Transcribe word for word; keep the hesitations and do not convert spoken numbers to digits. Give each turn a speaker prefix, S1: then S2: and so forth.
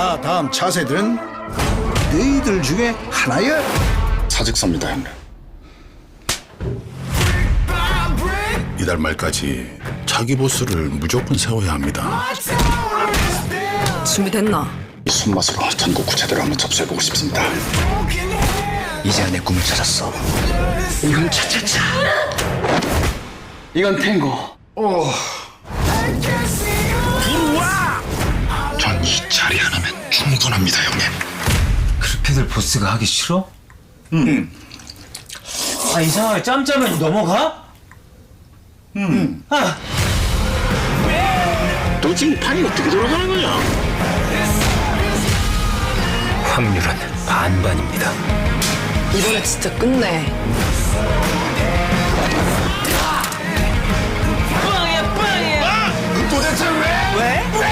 S1: 자, 다음 차세들은 너희들 중에 하나야.
S2: 사직서입니다, 형님.
S3: 이달 말까지 자기 보스를 무조건 세워야 합니다.
S4: 준비됐나?
S2: 이 손맛으로 전국 구체대로 한번 접수해보고 싶습니다.
S5: 이제야 내 꿈을 찾았어.
S2: 이건 차차차. 이건 탱고. 전 이 자리 하나면 충분합니다, 형님.
S5: 크루패들 보스가 하기 싫어? 응. 아 이상하게 짬짬이 넘어가? 응. 아.
S2: 너 지금 판이 어떻게 돌아가는 거냐?
S5: 확률은 반반입니다.
S4: 이번에 진짜 끝내.
S1: 도대체 왜?
S4: 왜?